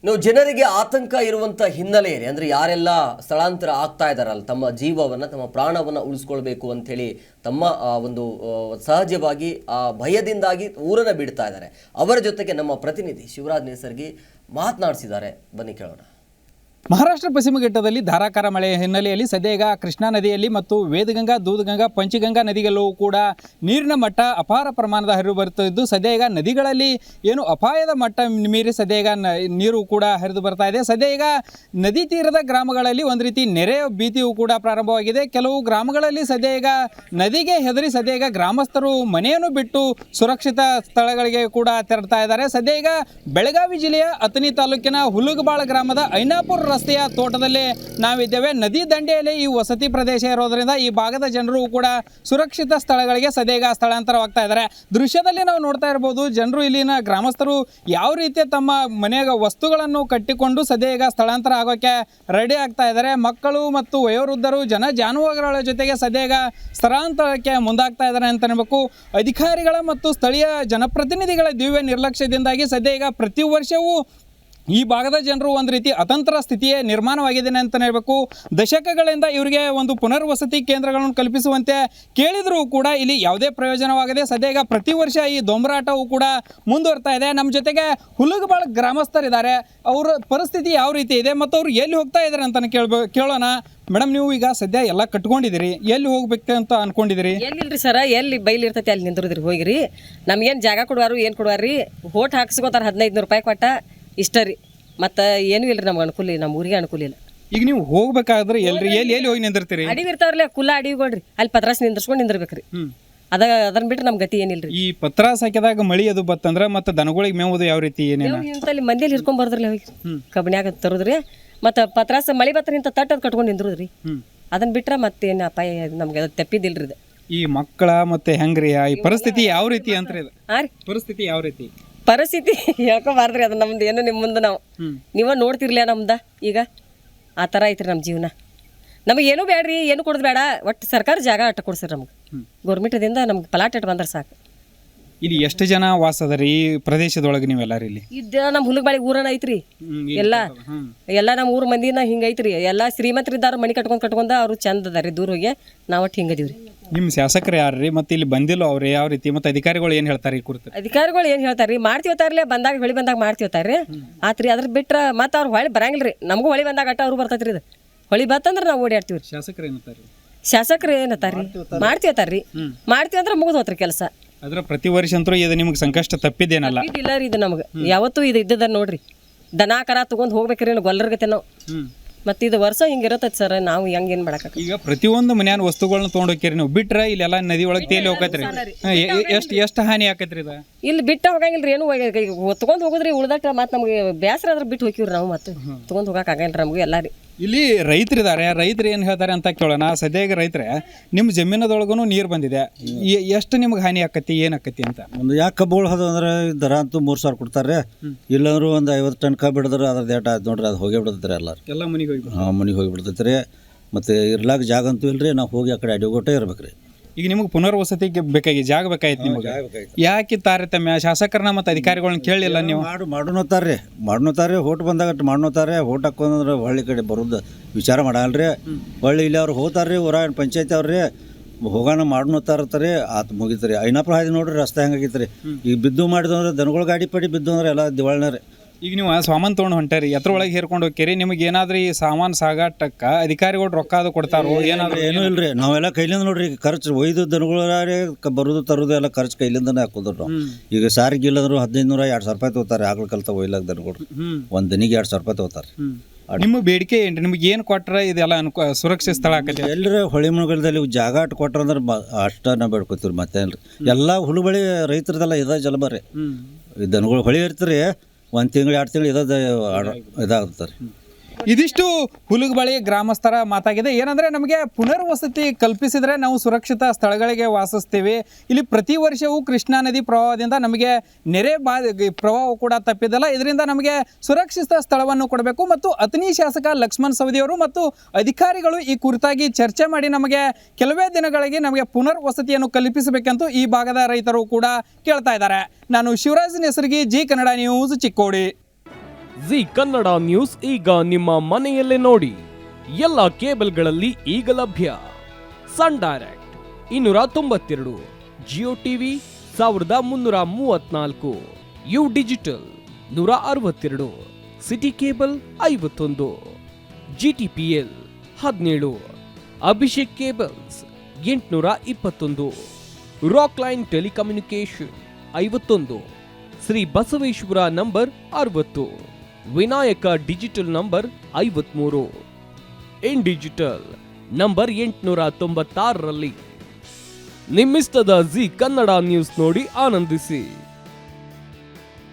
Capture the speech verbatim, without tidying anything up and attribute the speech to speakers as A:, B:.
A: ನೀವು ಜನರಿಗೆ ಆತಂಕ ಇರುವಂಥ ಹಿನ್ನೆಲೆಯಲ್ಲಿ ಅಂದರೆ ಯಾರೆಲ್ಲ ಸ್ಥಳಾಂತರ ಆಗ್ತಾ ಇದ್ದಾರಲ್ಲ ತಮ್ಮ ಜೀವವನ್ನು ತಮ್ಮ ಪ್ರಾಣವನ್ನು ಉಳಿಸ್ಕೊಳ್ಬೇಕು ಅಂಥೇಳಿ ತಮ್ಮ ಒಂದು ಸಹಜವಾಗಿ ಆ ಭಯದಿಂದಾಗಿ ಊರನ್ನು ಬಿಡ್ತಾ ಇದ್ದಾರೆ. ಅವರ ಜೊತೆಗೆ ನಮ್ಮ ಪ್ರತಿನಿಧಿ ಶಿವರಾಜ್ ನೇಸರ್ಗಿ ಮಾತನಾಡಿಸಿದ್ದಾರೆ, ಬನ್ನಿ ಕೇಳೋಣ.
B: ಮಹಾರಾಷ್ಟ್ರ ಪಶ್ಚಿಮ ಘಟ್ಟದಲ್ಲಿ ಧಾರಾಕಾರ ಮಳೆ ಹಿನ್ನೆಲೆಯಲ್ಲಿ ಸದ್ಯ ಕೃಷ್ಣಾ ನದಿಯಲ್ಲಿ ಮತ್ತು ವೇದಗಂಗಾ, ದೂದಗಂಗಾ, ಪಂಚಗಂಗಾ ನದಿಗಳಲ್ಲೂ ಕೂಡ ನೀರಿನ ಮಟ್ಟ ಅಪಾರ ಪ್ರಮಾಣದ ಹರಿದು ಬರುತ್ತಿದ್ದು ಸದ್ಯ ನದಿಗಳಲ್ಲಿ ಏನು ಅಪಾಯದ ಮಟ್ಟ ಮೀರಿ ಸದ್ಯ ನೀರು ಕೂಡ ಹರಿದು ಬರ್ತಾ ಇದೆ. ಸದ್ಯ ನದಿ ತೀರದ ಗ್ರಾಮಗಳಲ್ಲಿ ಒಂದು ರೀತಿ ನೆರೆ ಭೀತಿಯೂ ಕೂಡ ಪ್ರಾರಂಭವಾಗಿದೆ. ಕೆಲವು ಗ್ರಾಮಗಳಲ್ಲಿ ಸದ್ಯ ನದಿಗೆ ಹೆದರಿ ಸದ್ಯ ಗ್ರಾಮಸ್ಥರು ಮನೆಯನ್ನು ಬಿಟ್ಟು ಸುರಕ್ಷಿತ ಸ್ಥಳಗಳಿಗೆ ಕೂಡ ತೆರಳ್ತಾ ಇದ್ದಾರೆ. ಸದ್ಯ ಬೆಳಗಾವಿ ಜಿಲ್ಲೆಯ ಅಥಣಿ ತಾಲೂಕಿನ ಹುಲುಗಬಾಳ ಗ್ರಾಮದ ಐನಾಪುರ ರಸ್ತೆಯ ತೋಟದಲ್ಲಿ ನಾವಿದ್ದೇವೆ. ನದಿ ದಂಡೆಯಲ್ಲಿ ಈ ವಸತಿ ಪ್ರದೇಶ ಇರೋದ್ರಿಂದ ಈ ಭಾಗದ ಜನರು ಕೂಡ ಸುರಕ್ಷಿತ ಸ್ಥಳಗಳಿಗೆ ಸದ್ಯ ಸ್ಥಳಾಂತರವಾಗ್ತಾ ಇದ್ದಾರೆ. ದೃಶ್ಯದಲ್ಲಿ ನಾವು ನೋಡ್ತಾ ಇರ್ಬೋದು, ಜನರು ಇಲ್ಲಿನ ಗ್ರಾಮಸ್ಥರು ಯಾವ ರೀತಿ ತಮ್ಮ ಮನೆಯ ವಸ್ತುಗಳನ್ನು ಕಟ್ಟಿಕೊಂಡು ಸದ್ಯ ಸ್ಥಳಾಂತರ ಆಗೋಕ್ಕೆ ರೆಡಿ ಆಗ್ತಾ ಇದ್ದಾರೆ. ಮಕ್ಕಳು ಮತ್ತು ವಯೋವೃದ್ಧರು, ಜನ ಜಾನುವಾರುಗಳ ಜೊತೆಗೆ ಸದ್ಯ ಸ್ಥಳಾಂತರಕ್ಕೆ ಮುಂದಾಗ್ತಾ ಇದ್ದಾರೆ ಅಂತ ಅನ್ಬೇಕು. ಅಧಿಕಾರಿಗಳ ಮತ್ತು ಸ್ಥಳೀಯ ಜನಪ್ರತಿನಿಧಿಗಳ ದಿವ್ಯ ನಿರ್ಲಕ್ಷ್ಯದಿಂದಾಗಿ ಸದ್ಯ ಪ್ರತಿ ವರ್ಷವೂ ಈ ಭಾಗದ ಜನರು ಒಂದು ರೀತಿ ಅತಂತ್ರ ಸ್ಥಿತಿಯೇ ನಿರ್ಮಾಣವಾಗಿದೆ ಅಂತ ಹೇಳಬೇಕು. ದಶಕಗಳಿಂದ ಇವರಿಗೆ ಒಂದು ಪುನರ್ವಸತಿ ಕೇಂದ್ರಗಳನ್ನು ಕಲ್ಪಿಸುವಂತೆ ಕೇಳಿದರೂ ಕೂಡ ಇಲ್ಲಿ ಯಾವುದೇ ಪ್ರಯೋಜನವಾಗದೆ ಸದ್ಯ ಪ್ರತಿ ವರ್ಷ ಈ ದೊಂಬರಾಟವು ಕೂಡ ಮುಂದುವರ್ತಾ ಇದೆ. ನಮ್ಮ ಜೊತೆಗೆ ಹುಲುಗಬಾಳ ಗ್ರಾಮಸ್ಥರಿದ್ದಾರೆ. ಅವರ ಪರಿಸ್ಥಿತಿ ಯಾವ ರೀತಿ ಇದೆ ಮತ್ತು ಅವರು ಎಲ್ಲಿ ಹೋಗ್ತಾ ಇದ್ದಾರೆ ಅಂತ ಕೇಳ್ಬೋ ಕೇಳೋಣ. ಮೇಡಮ್, ನೀವು ಈಗ ಸದ್ಯ ಎಲ್ಲ ಕಟ್ಕೊಂಡಿದ್ದೀರಿ, ಎಲ್ಲಿ ಹೋಗ್ಬೇಕು ಅಂತ ಅನ್ಕೊಂಡಿದ್ದೀರಿ?
C: ಎಲ್ಲಿಲ್ರಿ ಸರ, ಎಲ್ಲಿ ಬೈಲ್ ಇರ್ತೈತಿ ಅಲ್ಲಿ ನಿಂದ್ರದ್ರಿ ಹೋಗಿರಿ. ನಮ್ಗೇನು ಜಾಗ ಕೊಡುವಾರು ಏನು ಕೊಡುವಾರಿ, ಹೋಟ್ ಹಾಕ್ಸ್ಕೋತಾರೆ ಹದಿನೈದು ನೂರು ರೂಪಾಯಿ ಕೊಟ್ಟ ಇಷ್ಟ ರೀ. ಮತ್ತು ಏನೂ ಇಲ್ಲ ರೀ ನಮ್ಗೆ ಅನುಕೂಲ ಇಲ್ಲ, ನಮ್ಮ ಊರಿಗೆ ಅನುಕೂಲ ಇಲ್ಲ.
B: ಈಗ ನೀವು ಹೋಗ್ಬೇಕಾದ್ರೆ ಎಲ್ರಿ ಎಲ್ಲಿ ಎಲ್ಲಿ ಹೋಗಿ ನಿಂದಿರ್ತೀರಿ?
C: ಅಡಿವಿ ಇರ್ತಾವ್ರಲ್ಲ, ಕುಲ್ಲ ಅಡಿವಿಗಳ್ರಿ, ಅಲ್ಲಿ ಪತ್ರಾಸ್ ನಿಂದ್ರಸ್ಕೊಂಡು ನಿಂದಿರ್ಬೇಕ್ರಿ. ಅದ ಅದನ್ನ ಬಿಟ್ಟು ನಮ್ಮ ಗತಿ ಏನಿಲ್ಲ ರೀ.
B: ಈ ಪತ್ರಾಸ್ ಹಾಕಿದಾಗ ಮಳಿ ಅದು ಬತ್ತಂದ್ರೆ ಮತ್ತೆ ದನಗಳಿಗೆ ಮೇವುದು ಯಾವ ರೀತಿ ಏನೇನು
C: ಇಂತಲ್ಲಿ ಮಂದಿಯಲ್ಲಿ ಹಿಡ್ಕೊಂಡ್ ಬರ್ದ್ರಲ್ಲ ಹೋಗಿ ಕಬ್ಬಿಣ್ಯಾಗ ತರೋದ್ರಿ. ಮತ್ತು ಪತ್ರಾಸ ಮಳಿ ಬತ್ತ ನಿಂತ ತಟ್ಟದ್ ಕಟ್ಕೊಂಡು ನಿಂದ್ರದ್ರಿ. ಅದನ್ನ ಬಿಟ್ರೆ ಮತ್ತೇನು ಅಪಾಯ ನಮ್ಗೆ ಅದು ತಪ್ಪಿದಿಲ್ರಿ. ಇದು
B: ಈ ಮಕ್ಕಳ ಮತ್ತೆ ಹೆಂಗ್ರಿ ಈ ಪರಿಸ್ಥಿತಿ ಯಾವ ರೀತಿ ಅಂತ ಇದು
C: ಹಾ ರೀ
B: ಪರಿಸ್ಥಿತಿ ಯಾವ ರೀತಿ
C: ಪರಿಸ್ಥಿತಿ ಹೇಳ್ಕೊಬಾರ್ದ್ರಿ. ಅದು ನಮ್ದು ಏನು ನಿಮ್ಮ ಮುಂದೆ ನಾವು ನೀವ ನೋಡ್ತಿರ್ಲಿಲ್ಲ ನಮ್ದ ಈಗ ಆ ಥರ ಐತ್ರಿ ನಮ್ಮ ಜೀವನ. ನಮಗೆ ಏನೂ ಬೇಡ್ರಿ, ಏನು ಕೊಡೋದು ಬೇಡ, ಒಟ್ಟು ಸರ್ಕಾರ ಜಾಗ ಅಟ್ಟ ಕೊಡ್ಸಿರಿ ನಮ್ಗೆ. ಗೌರ್ಮೆಂಟದಿಂದ ನಮ್ಗೆ ಪಲಾಟ್ ಇಟ್ಟು ಬಂದ್ರೆ ಸಾಕು.
B: ಇಲ್ಲಿ ಎಷ್ಟು ಜನ ವಾಸ ಅದರಿ ಈ ಪ್ರದೇಶದೊಳಗೆ ನೀವೆಲ್ಲಾರು? ಇಲ್ಲಿ
C: ಇದ್ದ ನಮ್ಮ ಹುಲಗಬಾಳಿ ಊರನ ಐತ್ರಿ. ಎಲ್ಲ ಎಲ್ಲ ನಮ್ಮ ಊರ ಮಂದಿನ ಹಿಂಗೆ ಐತ್ರಿ. ಎಲ್ಲ ಶ್ರೀಮಂತರಿದ್ದಾರ ಮನೆ ಕಟ್ಕೊಂಡು ಕಟ್ಕೊಂಡ ಅವ್ರು ಚಂದ ಅದಾರಿ. ದೂರ ಹೋಗಿ ನಾವು ಒಟ್ಟು ಹಿಂಗದೀವ್ರಿ.
B: ನಿಮ್ಮ ಶಾಸಕರು ಯಾರ್ರಿ ಮತ್ತೆ ಇಲ್ಲಿ ಬಂದಿಲ್ಲ ಅವ್ರು ಯಾವ ರೀತಿ ಮತ್ತೆ ಅಧಿಕಾರಿಗಳು ಏನು ಹೇಳ್ತಾರೆ ಈ ಕುರಿತು?
C: ಅಧಿಕಾರಿಗಳು ಏನು ಹೇಳ್ತಾರ್ರಿ, ಮಾಡ್ತೀವತ್ತಾರಲ್ಲೇ ಬಂದಾಗ ಹೊಳಿ ಬಂದಾಗ ಮಾಡ್ತೀವತ್ತಾರ್ರಿ ಆತ್ರಿ. ಅದ್ರ ಬಿಟ್ರೆ ಮತ್ತೆ ಅವ್ರು ಹೊಳಿ ಬರಂಗಿಲ್ಲ ರೀ. ನಮಗೂ ಹೊಳಿ ಬಂದಾಗ ಅಟ್ಟ ಅವ್ರು ಬರ್ತೈತ್ರಿ. ಇದು ಹೊಳಿ ಬತ್ತಂದ್ರೆ ನಾವು ಓಡಾಡ್ತೀವಿ.
B: ಶಾಸಕರು ಏನಂತಾರೆ?
C: ಶಾಸಕರು ಏನತ್ತಾರ್ರಿ, ಮಾಡ್ತೀವತ್ತಾರ್ರಿ. ಮಾಡ್ತೀವಿ ಅಂದ್ರೆ ಮುಗಿದು ಹೋತ್ರಿ ಕೆಲಸ.
B: ಅದ್ರ ಪ್ರತಿ ವರ್ಷ ಅಂತೂ ಇದು ನಿಮ್ಗೆ ಸಂಕಷ್ಟ ತಪ್ಪಿದ್ದೇನಲ್ಲ?
C: ಇಲ್ಲ ರೀ, ಇದು ನಮ್ಗೆ ಯಾವತ್ತೂ ಇದು ಇದ್ದದ ನೋಡ್ರಿ. ದನ ಕರ ತಗೊಂಡ್ ಹೋಗ್ಬೇಕ್ರಿ ಗೊಲ್ಲರ್ಗತೆ ನಾವು. ಮತ್ತೆ ಇದು ವರ್ಷ ಹಿಂಗಿರತ್ತೈತಿ ಸರ್. ನಾವು ಹೆಂಗ್ ಏನ್ ಮಾಡಕ
B: ಈಗ ಪ್ರತಿಯೊಂದು ಮನ್ಯಾನ ವಸ್ತುಗಳನ್ನ ತೊಗೊಂಡ್ ಹೋಗ್ತೀರಿ ನೀವು, ಬಿಟ್ರೆ ಇಲ್ಲೆಲ್ಲ ನದಿ ಒಳಗೆ ತೇಲಿ ಹೋಗತ್ರಿ. ಎಷ್ಟು ಎಷ್ಟು ಹಾನಿ ಆಕತ್ರಿ ಇದು? ಇಲ್ಲಿ
C: ಬಿಟ್ಟ ಹೋಗಂಗಿಲ್ರಿ, ಏನು ತಗೊಂಡ್ ಹೋಗುದ್ರಿ. ಉಳ್ದಟ್ಟ ಮತ್ತೆ ನಮ್ಗೆ ಬೇಸರ ಆದ್ರೆ ಬಿಟ್ಟು ಹೋಗಿವ್ರಿ ನಾವು. ಮತ್ತೆ ತಗೊಂಡ್ ಹೋಗಕ್ ಆಗಲ್ರಿ ನಮ್ಗೆ ಎಲ್ಲ ರೀ.
B: ಇಲ್ಲಿ ರೈತರಿದ್ದಾರೆ, ರೈತರು ಏನು ಹೇಳ್ತಾರೆ ಅಂತ ಕೇಳೋಣ. ಸದ್ಯಕ್ಕೆ ರೈತರೆ ನಿಮ್ಮ ಜಮೀನದೊಳಗೂ ನೀರು ಬಂದಿದೆ, ಎಷ್ಟು ನಿಮ್ಗೆ ಹಾನಿ ಆಕತಿ ಏನು ಆಕತಿ ಅಂತ?
D: ಒಂದು ಯಾಕೆ ಕಬ್ಬುಗಳು ಅದು ಅಂದ್ರೆ ದರ ಅಂತೂ ಮೂರು ಸಾವಿರ ಕೊಡ್ತಾರೆ. ಇಲ್ಲಾಂದ್ರೂ ಒಂದು ಐವತ್ತು ಟನ್ ಕಬ್ಬು ಹಿಡಿದ್ರೆ ಅದ್ರದ್ದು ಏಟ ಆಯ್ತು ನೋಡ್ರಿ, ಅದು ಹೋಗಿ ಬಿಡ್ತೈತೆ ಎಲ್ಲರೂ. ಎಲ್ಲ ಮನೆಗೆ ಹೋಗಿ ಹಾಂ ಮನೆಗೆ ಹೋಗಿ ಬಿಡ್ತೈತೆ ರೀ. ಮತ್ತು ಇರ್ಲಾಕ ಜಾಗ ಅಂತೂ ಇಲ್ರಿ, ನಾವು ಹೋಗಿ ಆ ಕಡೆ ಅಡಿಗೋಟೆ ಇರ್ಬೇಕು ರೀ.
B: ಈಗ ನಿಮ್ಗೆ ಪುನರ್ವಸತಿಗೆ ಬೇಕಾಗಿ ಜಾಗ ಬೇಕಾಯ್ತು ನಿಮ್ಗೆ, ಯಾಕೆ ತಾರತಮ್ಯ? ಶಾಸಕರನ್ನ ಮತ್ತು ಅಧಿಕಾರಿಗಳನ್ನ ಕೇಳಲಿಲ್ಲ ನೀವು?
D: ಮಾಡು ಮಾಡೋತಾರೆ ಮಾಡೋತಾರೆ ಹೋಟ್ ಬಂದಾಗ ಮಾಡೋತಾರೆ. ಹೋಟ್ ಹಾಕೊಂಡ್ರೆ ಹೊಳ್ಳಿ ಕಡೆ ಬರೋದು ವಿಚಾರ ಮಾಡಲ್ರಿ. ಹೊಳ್ಳಿ ಇಲ್ಲಿ ಅವ್ರು ಹೋಗ್ತಾರೆ ರೀ, ಊರ ಪಂಚಾಯತಿ ಅವ್ರಿ ಹೋಗೋಣ ಮಾಡೋತಾರತ್ತಾರೆ. ಆತು ಮುಗಿತಾರೆ. ಐನಾಪುರ ಹಾದಿ ನೋಡ್ರಿ ರಸ್ತೆ ಹೆಂಗಾಗಿತ್ತು ರೀ. ಈಗ ಬಿದ್ದು ಮಾಡಿದಂದ್ರೆ ದನಗಳು ಗಾಡಿ ಪಡಿ ಬಿದ್ದು ಅಂದ್ರೆ ಎಲ್ಲ ದಿವಾಳನ ರೀ.
B: ಈಗ ನೀವು ಸಾಮಾನು ತೊಗೊಂಡು ಹೊಂಟಾರಿ, ಎತ್ರ ಒಳಗೆ ಹೇರ್ಕೊಂಡು ಹೋಗ್ತೀರಿ, ನಿಮಗೆ ಏನಾದ್ರೂ ಈ ಸಾಮಾನು ಸಾಗಾಟಕ್ಕೆ ಅಧಿಕಾರಿಗಳು ರೊಕ್ಕ ಅದು ಕೊಡ್ತಾರೋ ಏನಾದ್ರು?
D: ಏನೂ ಇಲ್ರಿ, ನಾವೆಲ್ಲ ಕೈಲಿಂದ ನೋಡ್ರಿ ಖರ್ಚು ಒಯ್ದು ದನಗಳಾರಿ ಬರೋದು ತರೋದು ಎಲ್ಲ ಖರ್ಚು ಕೈಲಿಂದನೇ ಹಾಕೋದ್ರು ನಾವು. ಈಗ ಸಾರಿಗೆ ಇಲ್ಲಂದ್ರು ಹದಿನೈದು ನೂರ ಎರಡು ಸಾವಿರ ರೂಪಾಯಿ ತಗೋತಾರೆ. ಆಗ್ಲ ಕಲ್ತ ಒಯ್ಲಾಕ ದನಗಳು ಒಂದು ದನಿಗೆ ಎರಡು ಸಾವಿರ ರೂಪಾಯಿ ತಗೋತಾರೆ.
B: ನಿಮ್ಮ ಬೇಡಿಕೆ ಏನ್ರಿ? ನಿಮ್ಗೆ ಏನು ಕೊಟ್ರೆ ಇದೆಲ್ಲ ಅನ್ಕೋ ಸುರಕ್ಷಿತ ಸ್ಥಳ ಆಕತಿ?
D: ಎಲ್ಲರೂ ಹೊಳಿ ಮುಳುಗಲದಲ್ಲಿ ಜಾಗ ಅಟ್ಟು ಕೊಟ್ರ ಅಂದ್ರೆ ಅಷ್ಟ ನಾವು ಬೇಡ್ಕೊತೀವಿ. ಮತ್ತೇನ್ರಿ ಎಲ್ಲ ಹುಳುಬಳಿ ರೈತರದೆಲ್ಲ ಇದ ಜಲಬರಿ. ಈ ದನಗಳು ಹೊಳಿ ಇರ್ತೀರಿ, ಒಂದು ತಿಂಗಳು ಎರಡು ತಿಂಗಳು ಇದ ಇದಾಗ್ತಾರೆ.
B: ಇದಿಷ್ಟು ಹುಲಗಬಾಳಿ ಗ್ರಾಮಸ್ಥರ ಮಾತಾಗಿದೆ. ಏನಂದರೆ ನಮಗೆ ಪುನರ್ವಸತಿ ಕಲ್ಪಿಸಿದರೆ ನಾವು ಸುರಕ್ಷಿತ ಸ್ಥಳಗಳಿಗೆ ವಾಸಿಸ್ತೀವಿ. ಇಲ್ಲಿ ಪ್ರತಿ ವರ್ಷವೂ ಕೃಷ್ಣಾ ನದಿ ಪ್ರವಾಹದಿಂದ ನಮಗೆ ನೆರೆ ಬಾ ಪ್ರವಾಹ ಕೂಡ ತಪ್ಪಿದಲ್ಲ. ಇದರಿಂದ ನಮಗೆ ಸುರಕ್ಷಿತ ಸ್ಥಳವನ್ನು ಕೊಡಬೇಕು ಮತ್ತು ಅಥಣಿ ಶಾಸಕ ಲಕ್ಷ್ಮಣ್ ಸವದಿಯವರು ಮತ್ತು ಅಧಿಕಾರಿಗಳು ಈ ಕುರಿತಾಗಿ ಚರ್ಚೆ ಮಾಡಿ ನಮಗೆ ಕೆಲವೇ ದಿನಗಳಿಗೆ ನಮಗೆ ಪುನರ್ವಸತಿಯನ್ನು ಕಲ್ಪಿಸಬೇಕೆಂದು ಈ ಭಾಗದ ರೈತರು ಕೂಡ ಕೇಳ್ತಾ ಇದ್ದಾರೆ. ನಾನು Shivraj Nesargi, Zee Kannada news, Chikkodi.
E: Zee Kannada news ಈಗ ನಿಮ್ಮ ಮನೆಯಲ್ಲೇ ನೋಡಿ. ಎಲ್ಲ ಕೇಬಲ್ಗಳಲ್ಲಿ ಈಗ ಲಭ್ಯ. ಸನ್ ಡೈರೆಕ್ಟ್ ಇನ್ನೂರ ತೊಂಬತ್ತೆರಡು, ಜಿಯೋ ಟಿವಿ ಸಾವಿರದ ಮುನ್ನೂರ ಮೂವತ್ನಾಲ್ಕು, ಯು ಡಿಜಿಟಲ್ ನೂರ ಅರವತ್ತೆರಡು, ಸಿಟಿ ಕೇಬಲ್ ಐವತ್ತೊಂದು, ಜಿಟಿಪಿಎಲ್ ಹದಿನೇಳು, ಅಭಿಷೇಕ್ ಕೇಬಲ್ಸ್ ಎಂಟುನೂರ ಇಪ್ಪತ್ತೊಂದು, ರಾಕ್ ಲೈನ್ ಟೆಲಿಕಮ್ಯುನಿಕೇಶನ್ ಐವತ್ತೊಂದು, ಶ್ರೀ ಬಸವೇಶ್ವರ ನಂಬರ್ ಅರವತ್ತು, ವಿನಾಯಕ ಡಿಜಿಟಲ್ ನಂಬರ್ ಐವತ್ಮೂರು, ಇನ್ ಡಿಜಿಟಲ್ ನಂಬರ್ ಎಂಟುನೂರ ತೊಂಬತ್ತಾರರಲ್ಲಿ. ನಿಮ್ಮಿಸ್ತದ ಜಿ ಕನ್ನಡ ನ್ಯೂಸ್ ನೋಡಿ ಆನಂದಿಸಿ.